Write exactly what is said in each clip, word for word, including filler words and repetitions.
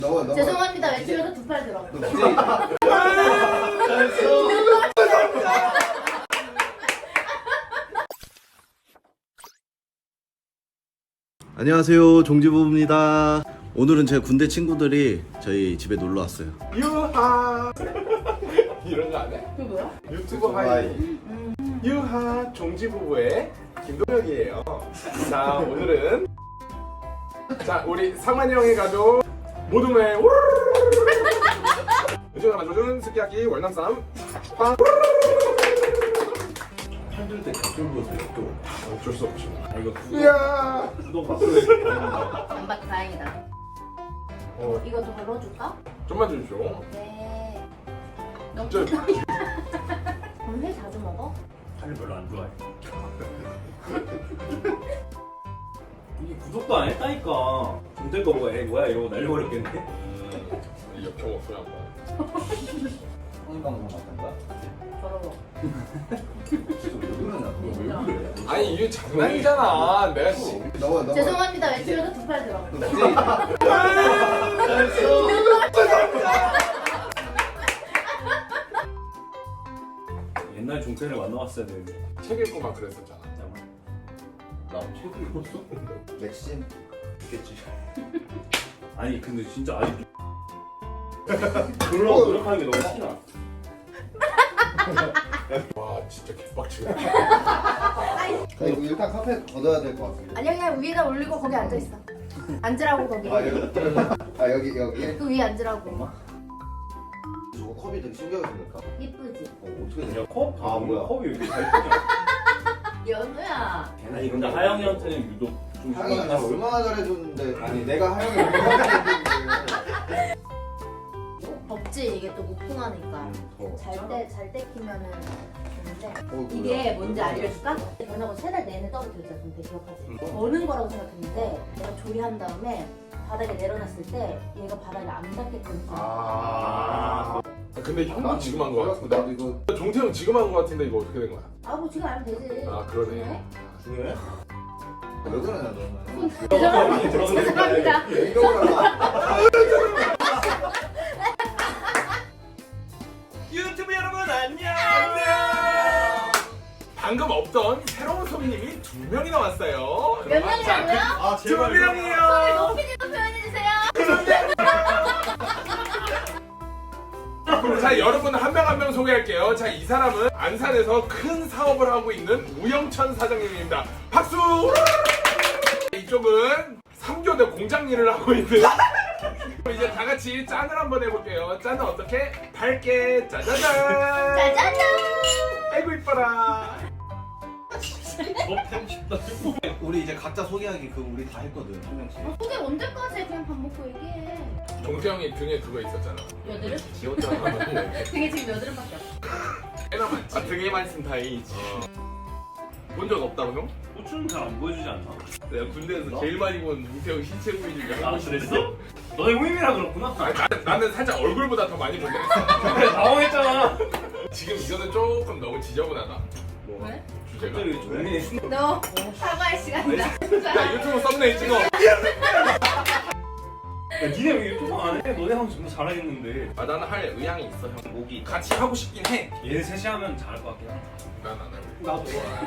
너가 너가 죄송합니다. 왼쪽에서 두 팔 들어. 안녕하세요, 종지부입니다. 오늘은 제 군대 친구들이 저희 집에 놀러 왔어요. 유하 이런 거 안 해? 그게 뭐야? 유튜브 하이 유하 종지부부의 김동혁이에요. 자, 오늘은 자 우리 상만이 형의 가족 모둠의 요즘에 만들어준 스키야키 월남쌈 빵 힘들 때 격돌 보세요, 격돌. 어쩔 수 없죠. 아, 이거 이야 구독 받고 안 받고 다행이다. 어, 이거 더 걸어줄까? 좀만 주십시오. 네. 너무 저- 좋다. 그럼 회 자주 먹어? 살을 별로 안 좋아해. 이게 구독도 안 했다니까. 군대 거 뭐야, 뭐야 이러고 날려버렸겠네. 음, 역겨워 소리 한번. 방송 같은 거야? 더러워. 왜 그러냐? 왜 그래? 아니 이게 장난이잖아. 내가 씨. 너가 너가 죄송합니다. 왼쪽에서 두 팔 들어. 옛날 종태를 만나봤어야 되는데. 책 읽고 막 그랬었잖아. 나 책을 읽었어? 맥심 있겠지. 아니 근데 진짜 아직도 그러려고 노력하는 게 너무 티나. 와 진짜 개빡치네. 나 이거 일단 카페 걷어야 될 것 같은데. 아니야 그냥 위에다 올리고 거기 앉아 있어. 앉으라고 거기. 아 여기 아 여기 여기 그 위에 앉으라고. 저거 컵이 되게 신기하게 생겼다. 이쁘지? 어, 어떻게 되냐? 야 컵? 아, 뭐야. 컵이 왜 이렇게 잘 뜨냐? 연우야. 아니 근데 하영이한테는 유독 좀 하영이 나 심각했어. 얼마나 잘해줬는데 아니 내가 하영이 얼마나 잘해줬는데 덥지 이게 또 무풍하니까. 더. 잘 때 잘 때 키면은 좋은데 어, 이게 뭔지 알려줄까? 변하고 세 달 내내 떨어뜨렸잖아. 근데 기억하지? 버는 거라고 생각했는데 내가 조리한 다음에 바닥에 내려놨을 때 얘가 바닥에 안 닿게끔. 아. 근데 형도 지금 한 거 나도 같은데. 이거 종태형 지금 한 거 같은데 이거 어떻게 된 거야? 아 뭐 지금 알면 되지. 아 그러네. 네? 왜? 왜 그러냐 너는? 죄송합니다. 죄송합니다. 이거구나. 유튜브 여러분 안녕. 방금 없던 새로운 손님이 두 명이나 왔어요. 몇 명이라고요? 아 두 명이요. 높이 좀 표현해주세요. 자 여러분 한 명 한 명 소개할게요. 자 이 사람은 안산에서 큰 사업을 하고 있는 우영천 사장님입니다. 박수. 이쪽은 삼교대 공장 일을 하고 있는 이제 다 같이 짠을 한번 해볼게요. 짠은 어떻게? 밝게 짜자잔. 짜자잔. 아이고 이뻐라. 우리 이제 각자 소개하기 그 우리 다 했거든, 한 명씩. 소개 언제까지 해? 그냥 밥 먹고 얘기해. 종태형이 등에 그거 있었잖아. 여드름? 귀엽잖아. 등에 지금 여드름밖에 없어. 꽤나 많지. 아, 등에만 있으면 다행이지. 본 적 없다고 형? 호주는 잘 안 보여주지 않나? 내가 군대에서 제일 많이 본 종태형 신체 부위를 아 그랬어? 너의 후임이라 그렇구나. 아니, 나는, 나는 살짝 얼굴보다 더 많이 본데. 그래 당황했잖아. 지금 이거는 조금 너무 지저분하다. 뭐. 왜? 주제가. 갑자기 종민이 순. 너 사과할 시간이다. 야 유튜브 썸네일 찍어. 야 니네 왜 유튜브 안 해? 너네 하면 정말 잘하겠는데. 아 나는 할 의향이 있어 형. 목이 같이 하고 싶긴 해. 얘네 셋이 하면 잘할 것 같긴 해. 난 안 할래. 나도.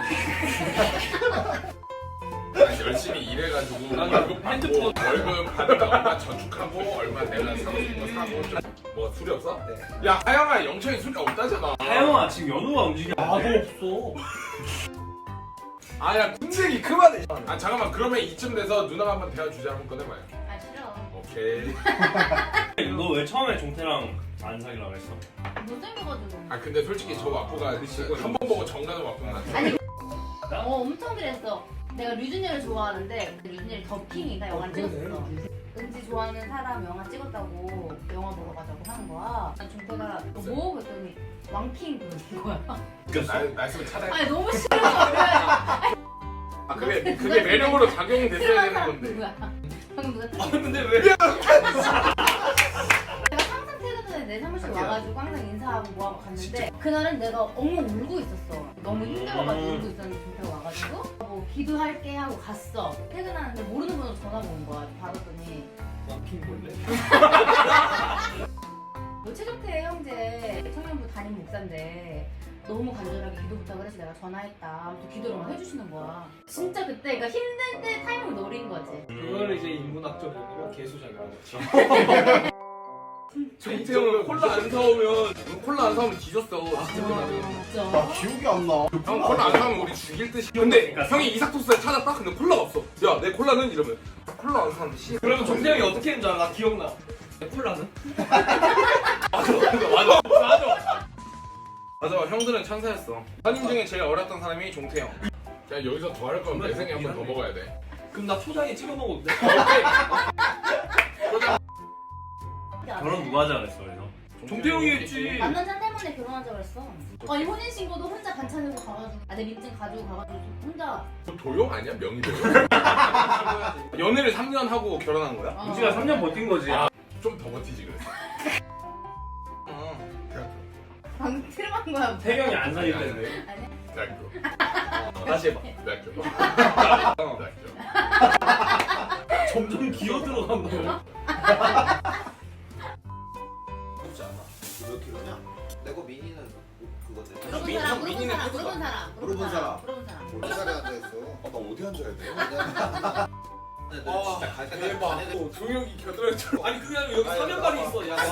난 열심히 일해가지고 월급 받고 월급 받으면 얼마 저축하고 얼마 내가 사고 싶은 거 사고 좀. 뭐 술이 없어? 네. 야 하영아 영철이 술이 없다잖아. 하영아 지금 연우가 움직여. 나도 없어. 아야 군생이 그만해. 아 잠깐만 그러면 이쯤 돼서 누나가 한번 대화 주제 한번 꺼내봐요. 아 싫어. 오케이. 너 왜 처음에 종태랑 안 사귀려고 그랬어? 못생겨가지고. 아 근데 솔직히 저 와꾸가 한 번 보고 정가는 와꾸는 안 아니. 어 엄청 그랬어. 내가 류준열을 좋아하는데 류준열이 더킹이다 영화를 찍었어. 은지 좋아하는 사람 영화 찍었다고 영화 보러 가자고 하는 거야. 난 종태가 뭐? 그랬더니 왕킹 그러는 거야. 날 말씀을 차단. 아니 너무 싫은 거야. 아 그게 그게 매력으로 작용이 됐어야 되는 건데. 누구야? 방금 누가 아 근데 왜? 내가 항상 퇴근 전에 내 사무실 와가지고 항상 인사하고 뭐하고 갔는데 그날은 내가 엉엉 울고 있었어. 너무 힘들어가지고 울고 있었는데 종태가 와가지고 뭐 기도할게 하고 갔어. 퇴근하는데 모르는 번호로 전화가 온 거야. 받았더니 킹볼래? 뭐 최종태 형제 청년부 담임 목사인데 너무 간절하게 기도 부탁을 해서 내가 전화했다. 또 기도를 막 해주시는 거야. 진짜 그때 그러니까 힘들 때 타이밍을 노린 거지. 그거를 이제 인문학적으로 개수작이라고 했지. 정태형은 콜라 안 사오면 콜라 안 사오면 뒤졌어. 진짜. 나 기억이 안 나. 형 콜라 안 사면 우리 죽일 듯이. 근데 형이 이삭토스를 찾았다? 근데 콜라가 없어. 야 내 콜라는? 이러면 콜라 안 사는데 씨. 그러면 정태형이 어떻게 했는지 알아? 나 기억나. 콜라는? 맞아 맞아 맞아 맞아 형들은 천사였어. 선임 중에 제일 어렸던 사람이 종태형. 야 여기서 더 할 거면 매생이 한 번 더 먹어야 돼. 그럼 나 초장에 찍어 먹어도 돼? 결혼 누가 하자 그랬어 그래서? 정태형이 했지. 만난 자 때문에 결혼하자고 했어. 아니 혼인신고도 혼자 반찬으로 가가지고 아, 내 민증 가지고 가가지고 혼자. 도용 아니야? 명의도용? 연애를 삼 년 하고 결혼한 거야? 어. 우지가 삼 년 버틴 거지. 아, 좀 더 버티지 그랬어. 어, 대학교. 방금 트름한 거야. 태경이 안 사귈 텐데. 아니. 대학교. 어, 다시 해봐. 대학교. 어. 대학교. 점점 기어 들어간다. 그렇지 않아. 몇 킬로냐? 내거 미니는 그거지. 물어본 민- 사람, 형 물어본 민이는 사람, 코드다. 물어본 사람, 물어본 사람. 물어본 사람. 몇 살에 앉아있어? 아, 나 어디 앉아야 돼? 진짜 갈 때까지 대박. 어, 종혁이 겨드랑이처럼. 아니 그게 아니라 여기 사면발이 있어. 야.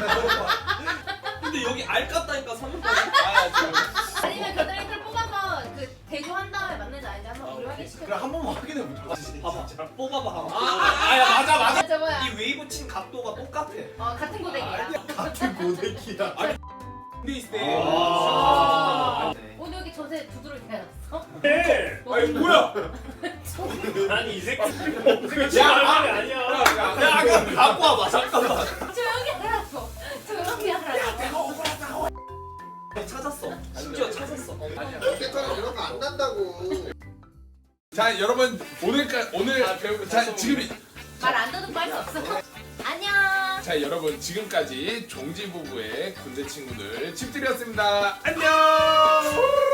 근데 여기 알 깠다니까 사면발이. 아 지금. 아니면 겨드랑이를 뽑아서 그 대조한 다음에 맞는지 아닌지 한번 우리 확인시켜. 그래 한 번만 확인해 보자. 봐봐. 뽑아봐. 아, 아, 아야 맞아 맞아. 맞아 뭐야? 이 웨이브 친 각도가 똑같아. 어 같은 고데기야. 같은 고데기야. 근데 있을 때. 아. 오늘 여기 저새 두드러 대놨어? 네. 아니 뭐야? 아니 이 새끼. 야, 아, 아니야. 야 아까 갖고 와봐 잠깐만. 조용히 하라고. 조용히 하라고. 찾았어. 심지어 찾았어. 깨끗하게 이런 거 안 난다고. 자 여러분 오늘까 오늘 아, 배우고 자 다시 지금 말안 듣고 할 수 없어. 안녕. 자 여러분 지금까지 종지 부부의 군대 친구들 집들이었습니다. 안녕.